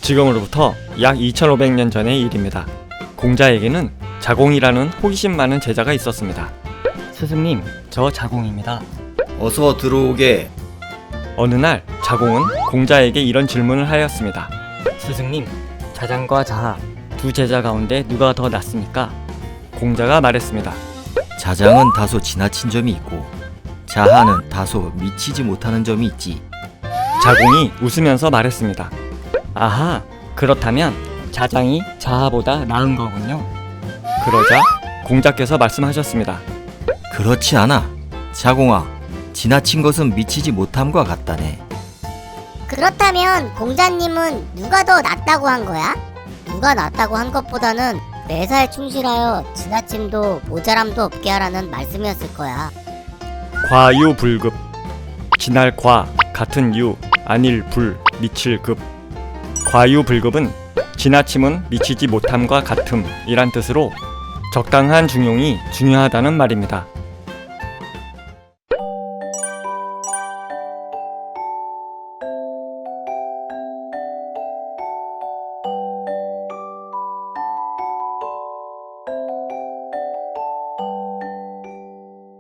지금으로부터 약 2500년 전의 일입니다. 공자에게는 자공이라는 호기심 많은 제자가 있었습니다. 스승님, 저 자공입니다. 어서 들어오게. 어느 날 자공은 공자에게 이런 질문을 하였습니다. 스승님, 자장과 자하 두 제자 가운데 누가 더 낫습니까? 공자가 말했습니다. 자장은 다소 지나친 점이 있고 자하는 다소 미치지 못하는 점이 있지. 자공이 웃으면서 말했습니다. 아하, 그렇다면 자장이 자하보다 나은 거군요. 그러자 공자께서 말씀하셨습니다. 그렇지 않아. 자공아, 지나친 것은 미치지 못함과 같다네. 그렇다면 공자님은 누가 더 낫다고 한 거야? 누가 낫다고 한 것보다는 매사에 충실하여 지나침도 모자람도 없게 하라는 말씀이었을 거야. 과유불급. 지날 과 같은 유 아닐 불 미칠 급. 과유불급은 지나침은 미치지 못함과 같음이란 뜻으로 적당한 중용이 중요하다는 말입니다.